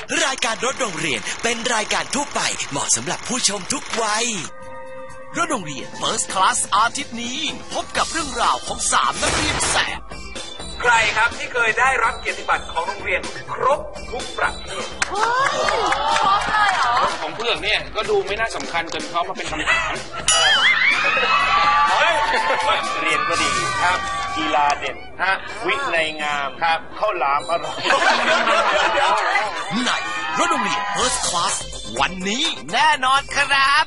รายการรถโรงเรียนเป็นรายการทั่วไปเหมาะสำหรับผู้ชมทุกวัยรถโรงเรียน First Class อาทิตย์นี้พบกับเรื่องราวของ3นักเรียนแสบใครครับที่เคยได้รับเกียรติบัตรของโรงเรียนครบทุกประเภทครบเลยเหรอของเพื่อนเนี่ยก็ดูไม่น่าสำคัญจนเขามาเป็นคำถามเรียนก็ดีครับกีฬาเด่นวินัยงามครับข้าวหลามอร่อยในรถโรงเรียน First Class วันนี้แน่นอนครับ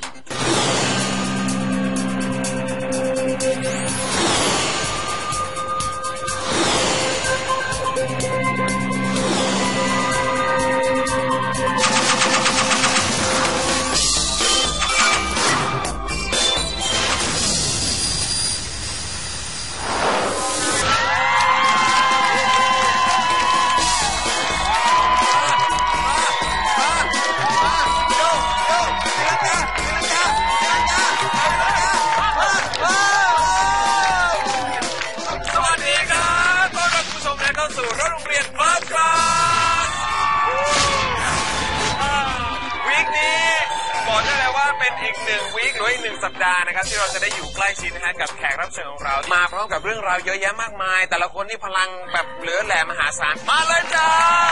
สัปดาห์นะครับที่เราจะได้อยู่ใกล้ชิดนะฮะกับแขกรับเชิญของเรามาพร้อมกับเรื่องราวเยอะแยะมากมายแต่ละคนนี่พลังแบบเหลือแหลมมหาศาลมาเลยจ้า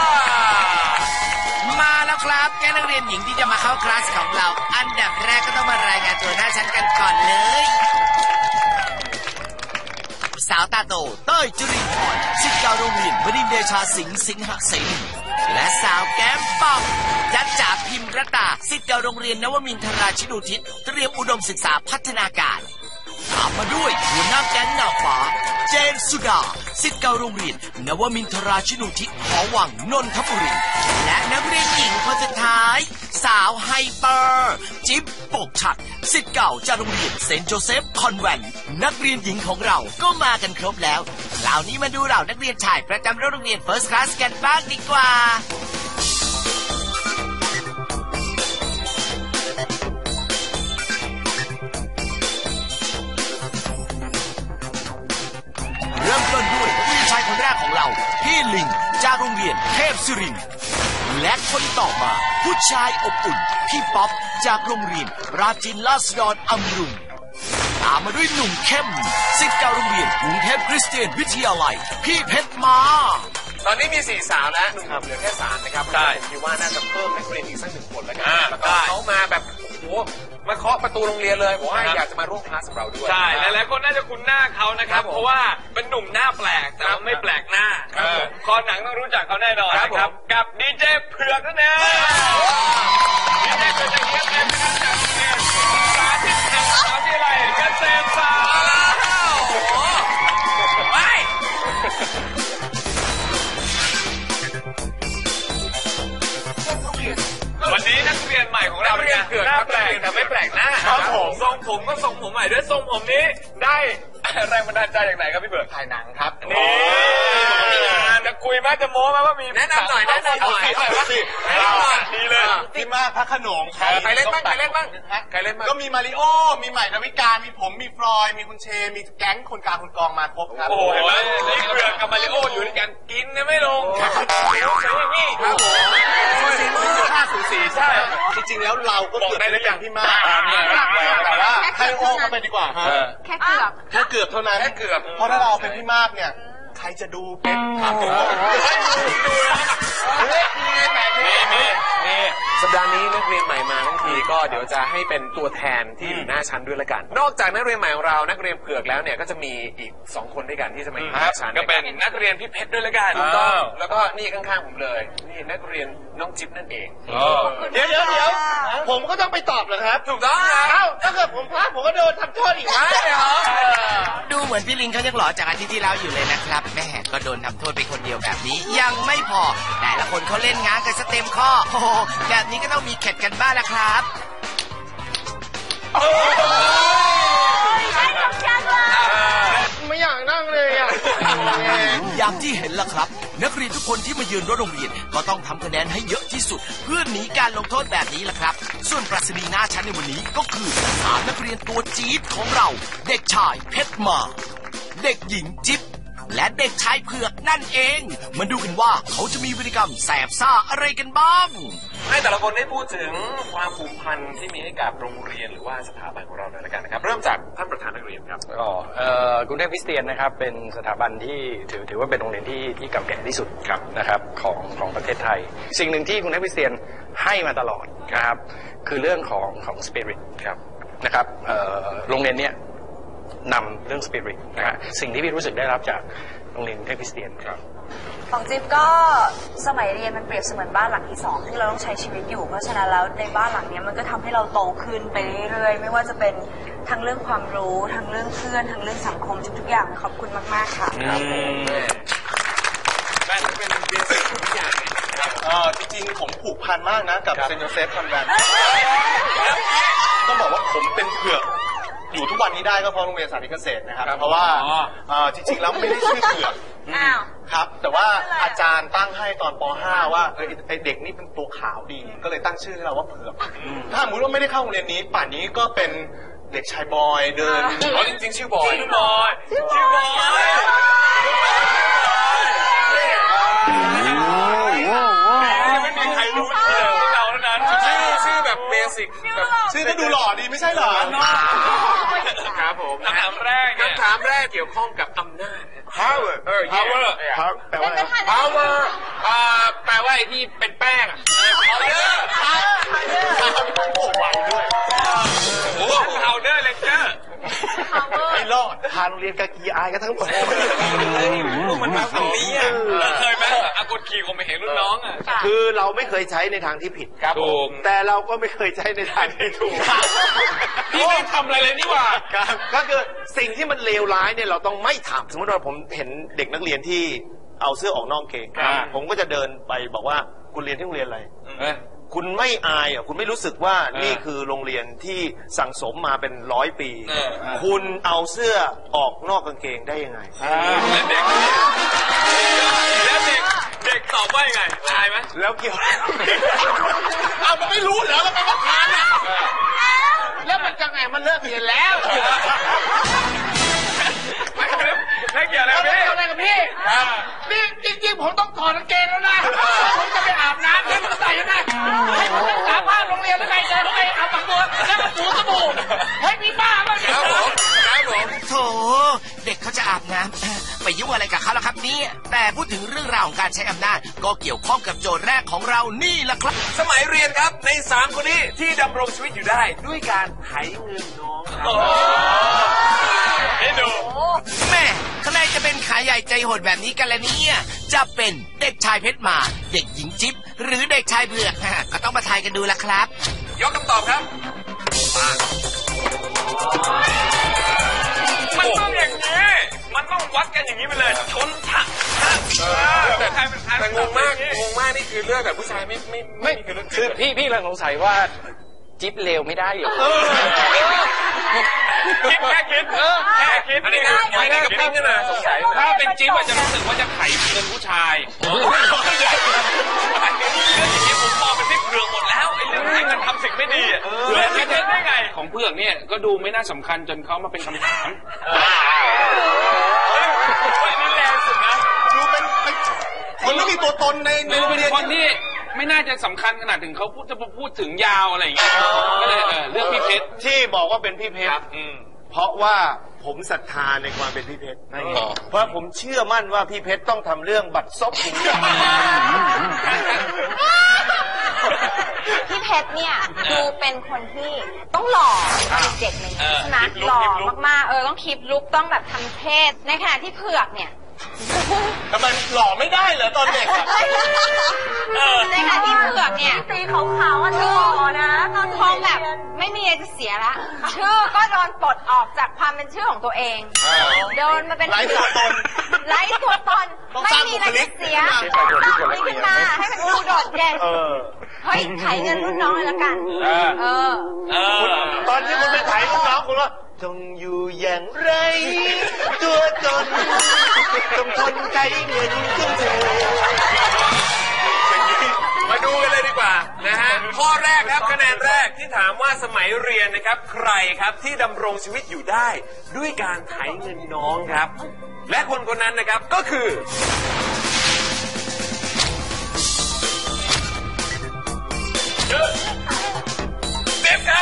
มาแล้วครับแกนักเรียนหญิงที่จะมาเข้าคลาสของเราอันดับแรกก็ต้องมารายงานตัวหน้าชั้นกันก่อนเลยสาวตาโตเต้ยจุรินทร์พรศิษย์เก่าโรงเรียนบดินทร์เดชาสิงห์สิงหเสนีและสาวแก้มป่องจัจจ่าพิมรตาศิษย์เก่าโรงเรียนนวมินทราชินูทิศเตรียมอุดมศึกษาพัฒนาการตามมาด้วยหัวหน้าแก๊งเงาฟ้าเจนสุดาศิษย์เก่าโรงเรียนนวมินทราชินูทิศหอวังนนทบุรีและนักเรียนหญิงคนสุดท้ายสาวไฮเปอร์จิ๊บปกฉัดศิษย์เก่าจากโรงเรียนเซนต์โจเซฟคอนแวนต์นักเรียนหญิงของเราก็มากันครบแล้วคราวนี้มาดูเหล่านักเรียนชายประจำโรงเรียน First Class กันบ้างดีกว่าเริ่มต้นด้วยผู้ชายคนแรกของเราพี่ลิงจากโรงเรียนเทพศิรินทร์และคนต่อมาผู้ชายอบอุ่นพี่ป๊อปจากโรงเรียนราชินีราษฎรอำรุงตามมาด้วยหนุ่มเข้มศิษย์เก่าโรงเรียนกรุงเทพคริสเตียนวิทยาลัยพี่เพชรมาตอนนี้มี4สาวแล้วหนุ่มเหลือแค่3นะครับใช่คิดว่าน่าจะเพิ่มนักเรียนอีกสัก1คนแล้วกันแล้วก็เขามาแบบโอ้โหมาเคาะประตูโรงเรียนเลยบอกว่าอยากจะมาร่วมคลาสกับเราด้วยใช่หลายๆคนน่าจะคุ้นหน้าเขานะครับเพราะว่าเป็นหนุ่มหน้าแปลกแต่ไม่แปลกหน้าคอหนังต้องรู้จักเขาแน่นอนนะครับกับดีเจเผือกนั่นเองดีเจเผือกจะเลี้ยงเล่นนะครับจากโรงเรียนสาธิตแห่งมหาวิทยาลัยเกษตรศาสตร์วันนี้นักเรียนใหม่ของเราเนี่ยหน้าแปลกแต่ไม่แปลกหน้าครับผมทรงผมก็ทรงผมใหม่ด้วยทรงผมนี้ได้แรงบันดาลใจจากไหนครับพี่เบิร์ดถ่ายหนังครับนี่จะคุยไหมจะโม้ไหมว่ามีแนะนำหน่อยแนะนำหน่อยดีเลยพี่มากพระขนงใครเล่นบ้างใครเล่นบ้างก็มีมาริโอมีใหม่ดาวิกามีผมมีฟลอยมีคุณเชมีแก๊งคนกลางคนกองมาครบครับโอ้โหนี่เผือกกับมาริโออยู่ด้วยกันกินเนี่ยไม่ลงนี่ครับสีใช่จริงๆแล้วเราก็บอกได้ทุกอย่างพี่มากแต่ว่าให้โอ้เข้าไปดีกว่าแค่เกือบเท่านั้นแค่เกือบเพราะถ้าเราเป็นพี่มากเนี่ยใครจะดูเป็นถามผมนี่สัปดาห์นี้นักเรียนใหม่มาทั้งทีก็เดี๋ยวจะให้เป็นตัวแทนที่อยู่หน้าชั้นด้วยละกันนอกจากนักเรียนใหม่ของเรานักเรียนเผือกแล้วเนี่ยก็จะมีอีก2คนด้วยกันที่จะมาอยู่หน้าชั้นก็เป็นนักเรียนพี่เพชรด้วยละกันถูกต้องแล้วก็นี่ข้างๆผมเลยนี่นักเรียนน้องจิ๊บนั่นเองเดี๋ยวผมก็ต้องไปตอบเหรอครับถูกต้องครับถ้าเกิดผมพลาดผมก็โดนทำโทษอีกนะดูเหมือนพี่ลิงเขายังหล่อจากอาทิตย์ที่แล้วอยู่เลยนะครับแม่ก็โดนทำโทษไปคนเดียวแบบนี้ยังไม่พอแต่ละคนเขาเล่นง้างกันสเต็มข้อโอ้แบบนี้ก็ต้องมีเข็ดกันบ้างละครับไม่อยากนั่งเลยอ่ะอย่างที่เห็นล่ะครับนักเรียนทุกคนที่มายืนรถโรงเรียนก็ต้องทำคะแนนให้เยอะที่สุดเพื่อหนีการลงโทษแบบนี้ล่ะครับส่วนปรัชนีหน้าชั้นในวันนี้ก็คือ3นักเรียนตัวจี๊ดของเราเด็กชายเพชรมาเด็กหญิงจิ๊บและเด็กชายเผือกนั่นเองมาดูกันว่าเขาจะมีพฤติกรรมแสบซ่าอะไรกันบ้างให้แต่ละคนได้พูดถึงความผูกพันที่มีให้กับโรงเรียนหรือว่าสถาบันของเราหน่อยละกันนะครับเริ่มจากท่านประธานนักเรียนครับกรุงเทพคริสเตียนนะครับเป็นสถาบันที่ถือว่าเป็นโรงเรียนที่เก่าแก่ที่สุดนะครับของประเทศไทยสิ่งหนึ่งที่กรุงเทพคริสเตียนให้มาตลอดนะครับคือเรื่องของสปิริตนะครับโรงเรียนเนี้ยนำเรื่องสปิริตนะฮะสิ่งที่พี่รู้สึกได้รับจากโรงเรียนกรุงเทพคริสเตียนของจิ๊บก็สมัยเรียนมันเปรียบเสมือนบ้านหลังที่2ที่เราต้องใช้ชีวิตอยู่เพราะฉะนั้นแล้วในบ้านหลังนี้มันก็ทำให้เราโตขึ้นไปเรื่อยๆไม่ว่าจะเป็นทั้งเรื่องความรู้ทั้งเรื่องเพื่อนทั้งเรื่องสังคมทุกๆอย่างขอบคุณมากๆค่ะแม่เป็นเรียนสิ่งทุกอย่างจริงๆผมผูกพันมากนะกับเซนต์โยเซฟคอนแวนต์ต้องบอกว่าผมเป็นเผือกอยู่ทุกวันนี้ได้ก็เพราะโรงเรียนสาธิตเกษตรนะครับเพราะว่าจริงๆแล้วไม่ได้ชื่อเผือกครับแต่ว่าอาจารย์ตั้งให้ตอนป .5 ว่าไอเด็กนี่เป็นตัวขาวดีก็เลยตั้งชื่อให้เราว่าเผือกถ้าสมมติว่าไม่ได้เข้าโรงเรียนนี้ป่านนี้ก็เป็นเด็กชายบอยเดินจริงๆชื่อบอยไม่มีใครรู้เราเท่านั้นชื่อแบบเบสิกชื่อก็ดูหล่อดีไม่ใช่เหรอครับผมคำถามแรกเกี่ยวข้องกับอำนาจ power แปลว่าอะไร power แปลว่าไอ้ที่เป็นแป้งpowder lecture ไม่รอดพาโรงเรียนกากีอายกันทั้งหมดมันมาฝั่งนี้เคยไหมกดขี่ผมไปเห็นรุ่นน้องคือเราไม่เคยใช้ในทางที่ผิดครับผมแต่เราก็ไม่เคยใช้ในทางที่ถูกพี่ไม่ทำอะไรเลยนี่หว่าก็คือสิ่งที่มันเลวร้ายเนี่ยเราต้องไม่ทำสมมติว่าผมเห็นเด็กนักเรียนที่เอาเสื้อออกนอกเกงผมก็จะเดินไปบอกว่าคุณเรียนที่โรงเรียนอะไรคุณไม่อายคุณไม่รู้สึกว่านี่คือโรงเรียนที่สั่งสมมาเป็น100 ปีคุณเอาเสื้อออกนอกกางเกงได้ยังไงแล้วเด็กตอบว่ายังไงอายไหมแล้วเกี่ยวมันไม่รู้เหรอมันเป็นประธานแล้วมันจะไงมันเลิกเรียนแล้วไม่เกี่ยวอะไรกับพี่นี่จริงๆผมต้องถอดกางเกงแล้วนะผมจะไปอาบน้ำแล้วใส่ยังไงให้ผมสามารถโรงเรียนแล้วไงจะไปอาบตัวแล้วก็ถูสบู่ให้พี่บ้าบ้างครับผมโถเด็กเขาจะอาบน้ำไปยุ่งอะไรกับเขาล่ะครับเนี่ยแต่พูดถึงเรื่องราวของการใช้อำนาจก็เกี่ยวข้องกับโจทย์แรกของเรานี่แหละครับสมัยเรียนครับใน3คนนี้ที่ดำรงชีวิตอยู่ได้ด้วยการไถเงินน้องให้ดูแม่ใครจะเป็นขาใหญ่ใจโหดแบบนี้กันล่ะเนี่ยจะเป็นเด็กชายเพชรมาเด็กหญิงจิ๊บหรือเด็กชายเผือกก็ต้องมาทายกันดูละครับยกคำตอบครับมันต้องอย่างนี้มันต้องวัดกันอย่างนี้ไปเลยชนฉะแต่ใครเป็นใครแต่งงมากนี่คือเรื่องแบบผู้ชายไม่คือพี่กำลังสงสัยว่าจิ๊บเลวไม่ได้เหรอคิดแค่คิดอันนี้กับพี่นี่นะสงสัยถ้าเป็นจิ๊บอาจจะรู้สึกว่าจะไถเงินผู้ชายเรื่องอย่างนี้ผมมองเป็นพี่เผือกหมดแล้วไอ้เรื่องที่มันทำสิ่งไม่ดีเรื่องนี้ได้ไงของเผือกเนี่ยก็ดูไม่น่าสำคัญจนเขามาเป็นคำถามนี่แรงสุดนะดูเป็นคนไม่มีตัวตนในโรงเรียนคนที่ไม่น่าจะสำคัญขนาดถึงเขาพูดถึงยาวอะไรอย่างเงี้ยก็เลยเลือกพี่เพชรที่บอกว่าเป็นพี่เพชรเพราะว่าผมศรัทธาในความเป็นพี่เพชรเพราะผมเชื่อมั่นว่าพี่เพชรต้องทำเรื่องบัตรซบถึงพี่เพชรเนี่ยดูเป็นคนที่ต้องหล่อเด็กๆเลยใช่ไหมหล่อมากๆต้องคลิปลุกต้องแบบทำเทศในขณะที่เผือกเนี่ยทำไมหล่อไม่ได้เหรอตอนเด็กในขณะที่เผือกเนี่ยตีขาวๆหล่อนะตอนคงแบบไม่มีอะไรจะเสียละชื่อก็โดนปลดออกจากความเป็นชื่อของตัวเองโดนมาเป็นไร้ตัวตนไม่มีอะไรจะเสียต้องขึ้นมาให้มันดูโดดเด่นเฮ้ยไถเงินรุ่นน้องเลยละกันตอนที่คุณไปไถรุ่นน้องคุณว่าจงอยู่อย่างไรตัวตนต้องทนไถเงินของเธอมาดูกันเลยดีกว่านะฮะข้อแรกครับคะแนนแรกที่ถามว่าสมัยเรียนนะครับใครครับที่ดำรงชีวิตอยู่ได้ด้วยการไถเงินน้องครับและคนคนนั้นนะครับก็คือเจ็บครับ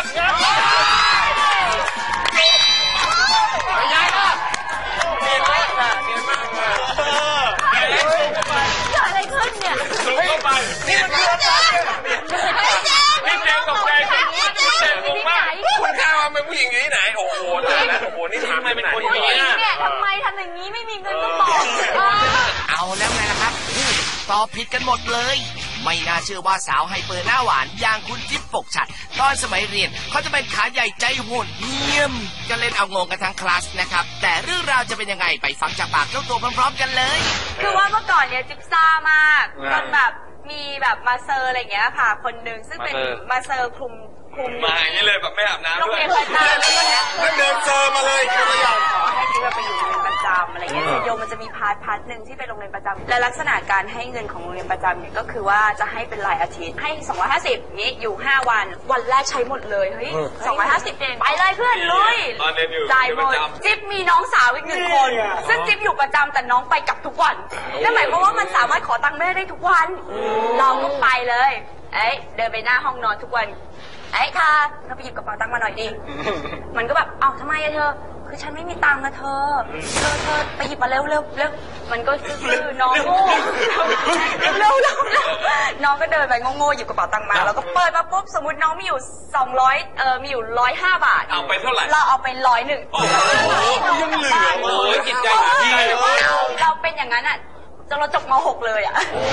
อะไรขึ้นเนี่ยสูงเข้าไปนี่มันคืออะไรนี่เจมตกใจสิเจมงงมากคุณข้าวเป็นผู้หญิงอยู่ที่ไหนโอ้โหตายแล้วโอ้โหนี่ทำไมเป็นคนอย่างนี้เนี่ยทำไมทำอย่างนี้ไม่มีเงินก็บอกเอาแล้วไงล่ะครับตอบผิดกันหมดเลยไม่น่าเชื่อว่าสาวไฮเปอร์หน้าหวานอย่างคุณจิ๊บปกฉัดตอนสมัยเรียนเขาจะเป็นขาใหญ่ใจโหดเยี่ยมจะเล่นเอางงกันทั้งคลาสนะครับแต่เรื่องราวจะเป็นยังไงไปฟังจากปากเจ้าตัวพร้อมๆกันเลยคือว่าเมื่อก่อนเนี่ยจิ๊บซ่ามากจนแบบมีแบบมาเซอร์อะไรอย่างเงี้ยค่ะคนหนึ่งซึ่งเป็นมาเซอร์คลุมมาอย่างนี้เลยแบบไม่อาบน้ำด้วยโรงเรียนประจำแล้วก็เดินเจอมาเลยคือไม่ยอมขอให้จิ๊บไปอยู่โรงเรียนประจำอะไรเงี้ยโยมมันจะมีพาร์ทหนึ่งที่เป็นโรงเรียนประจำและลักษณะการให้เงินของโรงเรียนประจำเนี่ยก็คือว่าจะให้เป็นรายอาทิตย์ให้250นี้อยู่5วันวันแรกใช้หมดเลยเฮ้ย250เองไปเลยเพื่อนลุยจ่ายหมดจิ๊บมีน้องสาวอีก1คนซึ่งจิ๊บอยู่ประจำแต่น้องไปกลับทุกวันนั่นหมายความว่ามันสามารถขอตังค์แม่ได้ทุกวันเราก็ไปเลยเดินไปหน้าห้องนอนทุกวันค่ะเธอไปหยิบกระเป๋าตังค์มาหน่อยดิมันก็แบบทำไมอะเธอคือฉันไม่มีตังค์นะเธอไปหยิบมาเร็วมันก็คือน้องโง่เร็วน้องก็เดินไปโง่หยิบกระเป๋าตังค์มาแล้วก็เปิดมาปุ๊บสมมติน้องมีอยู่200มีอยู่105 บาทเอาไปเท่าไหร่เราเอาไป101โอ้โหยังเหลือโอ้ยจิตใจดีเราเป็นอย่างนั้นอะจนเราจบม.6 เลยอะ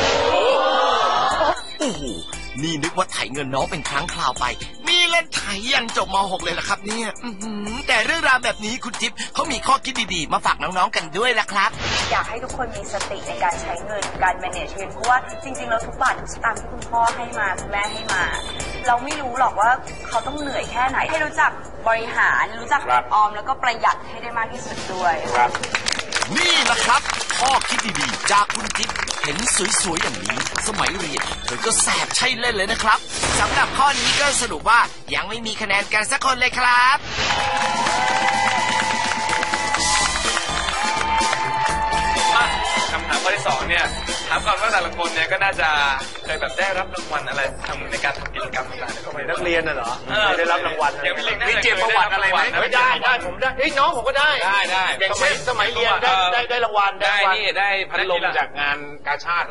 โอ้โหนี่นึกว่าไถเงินน้องเป็นครั้งคราวไปมีเล่นไถยันจบม.6 เลยล่ะครับเนี่ยแต่เรื่องราวแบบนี้คุณจิ๊บเขามีข้อคิดดีๆมาฝากน้องๆกันด้วยล่ะครับอยากให้ทุกคนมีสติในการใช้เงินการ manage เงินเพราะว่าจริงๆเราทุกบาททุกสตางค์ที่คุณพ่อให้มาคุณแม่ให้มาเราไม่รู้หรอกว่าเขาต้องเหนื่อยแค่ไหนให้รู้จักบริหารรู้จักออมแล้วก็ประหยัดให้ได้มากที่สุดด้วยนี่แหละครับข้อคิดดีๆจากคุณจิ๊บเห็นสวยๆอย่างนี้สมัยเรียนเธอก็แสบใช่เล่นเลยนะครับสำหรับข้อนี้ก็สรุปว่ายังไม่มีคะแนนกันสักคนเลยครับคำถามข้อที่2เนี่ยถามก่อนว่าแต่ละคนเนี่ยก็น่าจะเคยแบบได้รับรางวัลอะไรทำในการทำกิจกรรมต่างๆนักเรียนน่ะเหรอไม่ได้รับรางวัลมีเกียรติประวัติอะไรไหมไม่ได้ผมได้น้องผมก็ได้อย่างสมัยเรียนได้รางวัลได้พัดลมจากงานกาชาติ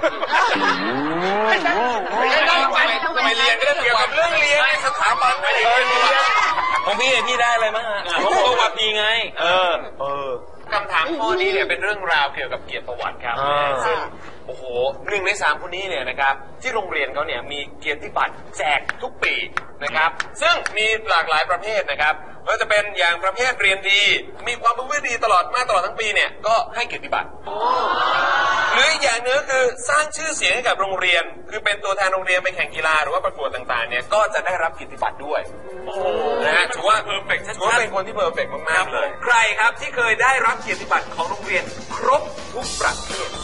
สมัยเรียนก็ได้เกี่ยวกับเรื่องเรียนสถาบันอะไรของพี่ได้อะไรมั้งผมก็ว่าพี่ไงคำถามข้อนี้เนี่ยเป็นเรื่องราวเกี่ยวกับเกียรติประวัติครับซึ่งโอ้โห1 ใน 3คนนี้เนี่ยนะครับที่โรงเรียนเขาเนี่ยมีเกียรติบัตรแจกทุกปีนะครับซึ่งมีหลากหลายประเภทนะครับก็จะเป็นอย่างประเภทเรียนดีมีความประพฤติดีตลอดทั้งปีเนี่ยก็ให้เกียรติบัตรหรืออย่างนึงคือสร้างชื่อเสียงให้กับโรงเรียนคือเป็นตัวแทนโรงเรียนไปแข่งกีฬาหรือว่าประกวดต่างๆเนี่ยก็จะได้รับเกียรติบัตรด้วยนะฮะถือว่าเพอร์เฟกต์ถือว่าเป็นคนที่เพอร์เฟกต์มากๆเลยใครครับที่เคยได้รับเกียรติบัตรของโรงเรียนครบทุกประเภท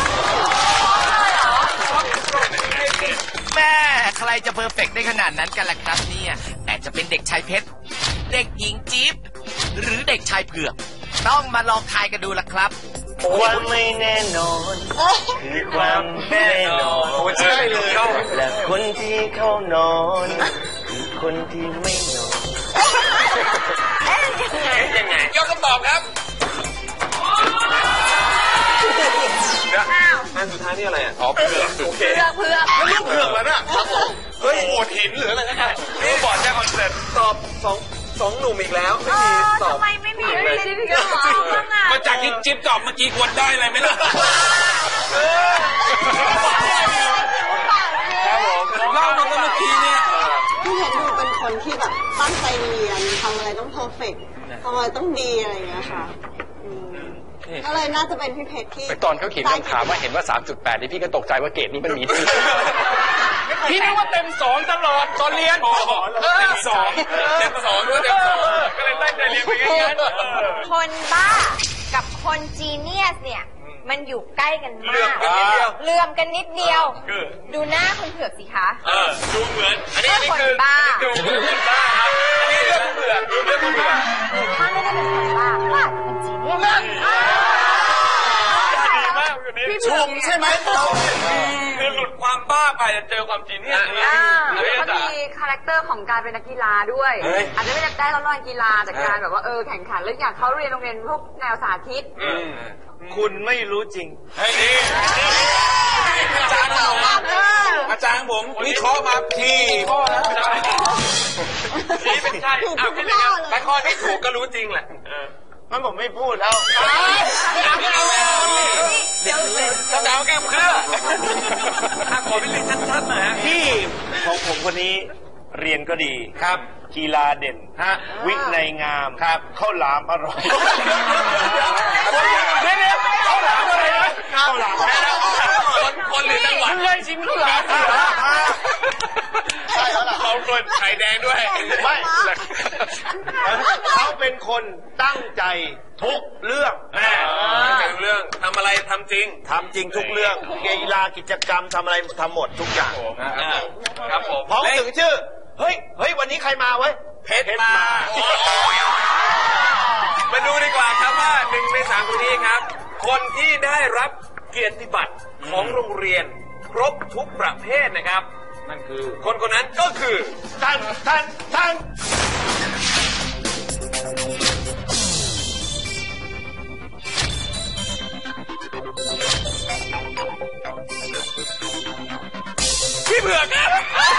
แม่ใครจะเพอร์เฟกต์ได้ขนาดนั้นกันล่ะครับเนี่ยแต่จะเป็นเด็กชายเพชรเด็กหญิงจิ๊บหรือเด็กชายเผือกต้องมาลองทายกันดูล่ะครับความไม่แน่นอนคือความแน่นอนใช่เลยและคนที่เข้านอนคือคนที่ไม่นอนยังไงยกคำตอบครับอันสุดท้ายนี่อะไรอ่ะเผือกโอเคเผือกเรื่องเผือกแล้วนะเฮ้ยโอดหินหรืออะไรนะนี่บอร์ดแจ้งคอนเสิร์ตตอบ2 หนุ่มอีกแล้วไม่มีตอบทำไมไม่มีเลยจิ๊บก็ตอบมาจากที่จิ๊บตอบเมื่อกี้ควรได้อะไรไหมล่ะครับผมเล่ามาเมื่อกี้เนี่ยพี่เพชรดูเป็นคนที่แบบตั้งใจเรียนทำอะไรต้องเพอร์เฟกต์ทำอะไรต้องดีอะไรอย่างเงี้ยค่ะก็เลยน่าจะเป็นพี่เพชรที่ตอนเขาเขียนคำถามว่าเห็นว่า 3.8 นี่พี่ก็ตกใจว่าเกรดนี้มันมีที่พี่นึกว่าเต็ม2ตลอดตอนเรียนเต็ม2ก็เลยตั้งใจเรียนไปงั้นคนบ้ากับคนจีเนียสเนี่ยมันอยู่ใกล้กันมากเลื่อมกันนิดเดียวดูหน้าคนเผือกสิคะดูเหมือนอันนี้คนบ้าดูคนบ้าครับอันนี้เรื่องเผือกถ้าไม่ได้เป็นคนบ้าก็อาจจะเป็นจีเนียสคนนี้ชมใช่ไหมคือหลุดความบ้าไปจะเจอความจริงเนี่ยเขามีคาแรคเตอร์ของการเป็นนักกีฬาด้วยอาจจะไม่ได้รับรางวัลกีฬาแต่การแบบว่าแข่งขันแล้วอย่างเขาเรียนโรงเรียนพวกแนวสาธิตคุณไม่รู้จริงเฮ้ยนี่อาจารย์เราอาจารย์ผมวิเคราะห์มาที่ข้อแล้วนี่เป็นใช่แต่ข้อที่ถูกก็รู้จริงแหละมันผมไม่พูดแล้วเดี๋ยวดาวแก้มเครือขอเป็นลิงชัดๆหน่อยพี่ของผมคนนี้เรียนก็ดีครับกีฬาเด่นวินัยงามครับข้าวหลามอร่อยข้าวหลามอะไรนะข้าวหลามคนหรือจังหวัดเลยชิมข้าวหลามใช่แล้วล่ะเขาคนไข่แดงด้วยไม่เขาเป็นคนตั้งใจทุกเรื่องเรื่องทำอะไรทำจริงทุกเรื่องกีฬากิจกรรมทำอะไรทำหมดทุกอย่างครับผมพอถึงชื่อเฮ้ยวันนี้ใครมาไว้เพชรมามาดูดีกว่าครับว่า1 ใน 3คนนี้ครับคนที่ได้รับเกียรติบัตรของโรงเรียนครบทุกประเภทนะครับนั่นคือคนนั้นก็คือท่านพี่เผือกครับ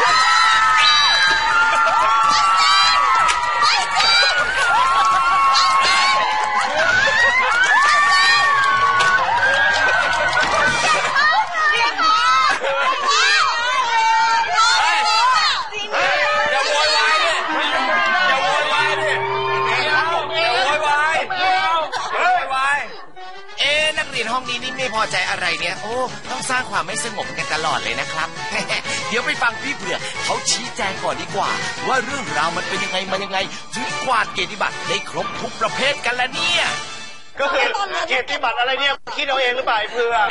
ห้องนี้นี่ไม่พอใจอะไรเนี่ยต้องสร้างความไม่สงบกันตลอดเลยนะครับ เดี๋ยวไปฟังพี่เผือกเขาชี้แจงก่อนดีกว่าว่าเรื่องราวมันเป็นยังไงมายังไงถึงกวาดเกียรติบัตรได้ครบทุกประเภทกันละเนี่ยก็คือเกียรติบัตรอะไรเนี่ยคิดเอาเองหรือเปล่าเผือก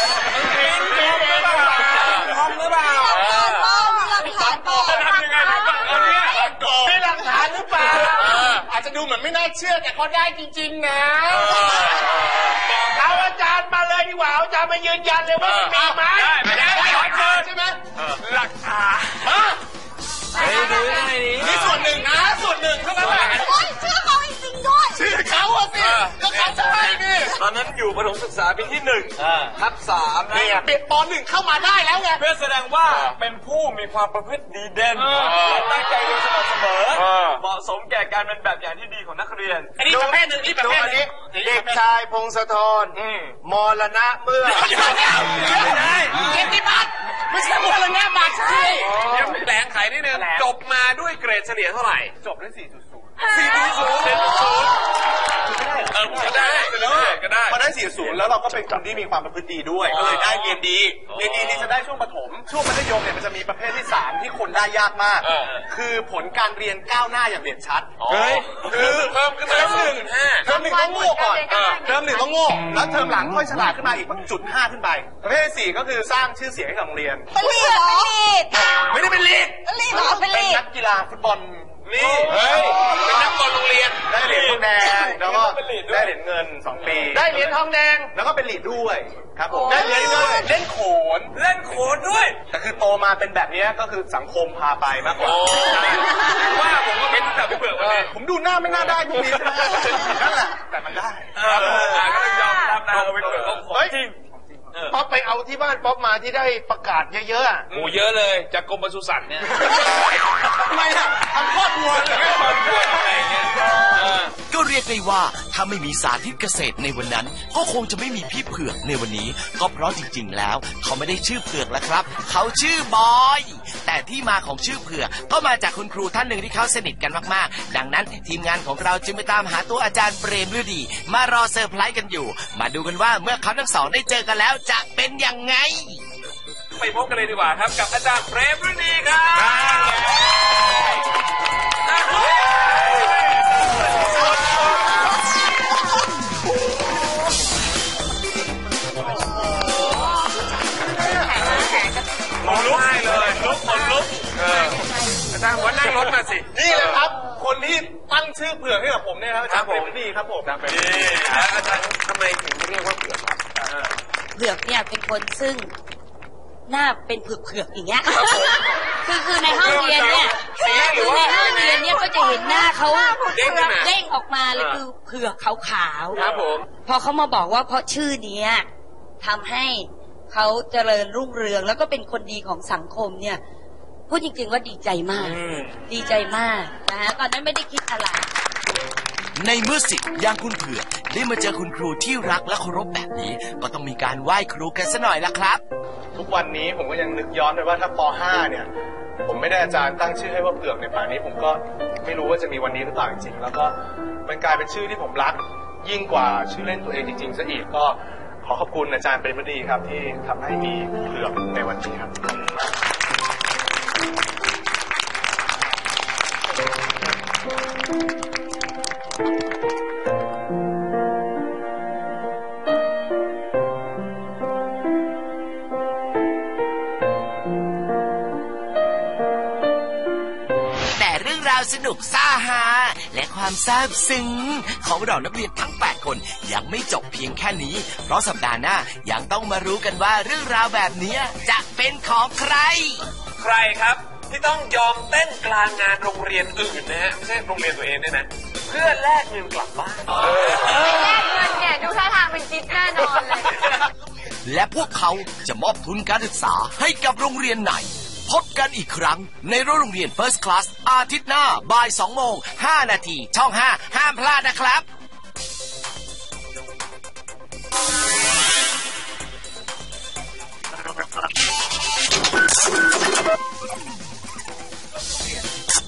ห้องหรือเปล่าจะทำยังไงเอาเนี่ยมีหลักฐานหรือเปล่าอาจจะดูเหมือนไม่น่าเชื่อแต่ก็ได้จริงๆนะเอาอาจารย์มาเลยดีกว่าอาจารย์มายืนยันเลยว่ามีไหมไม่ได้ใช่ไหมหลักฐานดูได้ดินี่ส่วนหนึ่งนะส่วนหนึ่งเท่านั้นแหละเชื่อเขาจริงๆด้วยชื่อเขาสิก็เขาใช่นี่ตอนนั้นอยู่ประถมศึกษาปีที่1 ทับ 3 เนี่ยเด็กป.1เข้ามาได้แล้วไงเพื่อแสดงว่าเป็นผู้มีความประพฤติดีเด่นตั้งใจเรียนสม่ำเสมอเหมาะสมแก่การเป็นแบบอย่างที่ดีของนักเรียนอันนี้ประเภทหนึ่งนี่ประเภทนี้เด็กชายพงศธรมรณะเมื่อไม่ได้เกียรติบัตรไม่ใช่มรณะบัตรใช่ยังแหลงไขนิดนึงจบมาด้วยเกรดเฉลี่ยเท่าไหร่จบได้ 4.0 ก็ได้พอได้ 4.0 แล้วเราก็เป็นคนที่มีความประพฤติดีด้วยก็เลยได้เรียนดีนี่จะได้ช่วงประถมช่วงมัธยมเนี่ยมันจะมีประเภทที่3ที่คนได้ยากมากคือผลการเรียนก้าวหน้าอย่างเด่นชัดคือเพิ่มขึ้นมาเทอม 1ต้องโง่ก่อนเทอม 1ต้องโง่แล้วเทอมหลังค่อยฉลาดขึ้นมาอีก0.5ขึ้นไปประเภทที่4ก็คือสร้างชื่อเสียงให้กับโรงเรียนเป็นลีดเหรอไม่ได้เป็นลีดเป็นนักกีฬาฟุตบอลนี่เป็นนักบอลโรงเรียนได้เหรียญทองแดงแล้วก็ได้เหรียญเงิน2 ปีได้เหรียญทองแดงแล้วก็เป็นลีดด้วยครับผมได้เหรียญเงินเล่นโขนด้วยแต่คือโตมาเป็นแบบนี้ก็คือสังคมพาไปมากกว่าว่าผมก็เป็นแบบพี่เผือกมาเลยผมดูหน้าไม่น่าได้พวกนี้นั่นแหละแต่มันได้ก็ยอมรับนะพี่เผือกของจริงป๊อปไปเอาที่บ้านป๊อปมาที่ได้ประกาศเยอะๆเยอะเลยจากกรมปศุสัตว์เนี่ยทำไมอ่ะทำครอบครัวอะไรเงี้ยก็เรียกได้ว่าถ้าไม่มีสาธิตเกษตรในวันนั้นก็คงจะไม่มีพี่เผือกในวันนี้ก็เพราะจริงๆแล้วเขาไม่ได้ชื่อเผือกแล้วครับเขาชื่อบอยแต่ที่มาของชื่อเผือกก็มาจากคุณครูท่านหนึ่งที่เขาสนิทกันมากๆดังนั้นทีมงานของเราจึงไปตามหาตัวอาจารย์เปรมฤดีมารอเซอร์ไพรส์กันอยู่มาดูกันว่าเมื่อเขาทั้งสองได้เจอกันแล้วจะเป็นยังไงไปพบกันเลยดีกว่าครับกับอาจารย์เปรมฤดีครับลุกให้เลยลุกอาจารย์หัวนั่งรถมาสินี่เลยครับคนที่ตั้งชื่อเผือกให้กับผมเนี่ยครับอาจารย์เปรมฤดีครับผมอาจารย์อาจารย์ทำไมถึงเรียกว่าเผือกครับเผือกเนี่ยเป็นคนซึ่งหน้าเป็นเผือกๆอย่างเงี้ยคือในห้องเรียนเนี่ยคือในห้องเรียนเนี่ยก็จะเห็นหน้าเขาเด้งออกมาเลยคือเผือกขาวๆครับผมพอเขามาบอกว่าเพราะชื่อนี้ทำให้เขาเจริญรุ่งเรืองแล้วก็เป็นคนดีของสังคมเนี่ยพูดจริงๆว่าดีใจมากดีใจมากนะฮะตอนนั้นไม่ได้คิดอะไรในเมื่อสิทธิ์อย่างคุณเผือกได้มาเจอคุณครูที่รักและเคารพแบบนี้ก็ต้องมีการไหว้ครูกันซะหน่อยละครับทุกวันนี้ผมก็ยังนึกย้อนไปว่าถ้าป .5 เนี่ยผมไม่ได้อาจารย์ตั้งชื่อให้ว่าเผือกในป่านนี้ผมก็ไม่รู้ว่าจะมีวันนี้หรือเปล่าจริงๆแล้วก็มันกลายเป็นชื่อที่ผมรักยิ่งกว่าชื่อเล่นตัวเองจริงๆซะอีกก็ขอขอบคุณอาจารย์เป็นบดีครับที่ทำให้มีเผือกในวันนี้ครับสนุกซ่าฮาและความซาบซึ้งของเรานักเรียนทั้ง8คนยังไม่จบเพียงแค่นี้เพราะสัปดาห์หน้ายังต้องมารู้กันว่าเรื่องราวแบบนี้จะเป็นของใครใครครับที่ต้องยอมเต้นกลางงานโรงเรียนอื่นนะฮะไม่ใช่โรงเรียนตัวเองเนี่ยนะเพื่อแลกเงินกลับบ้านแลกเงินเนี่ยดูท่าทางเป็นจิ๊บแน่นอนเลยและพวกเขาจะมอบทุนการศึกษาให้กับโรงเรียนไหนพบกันอีกครั้งในโรงเรียน First Class อาทิตย์หน้าบ่าย 2:05 น.ช่อง 5 ห้ามพลาดนะครับ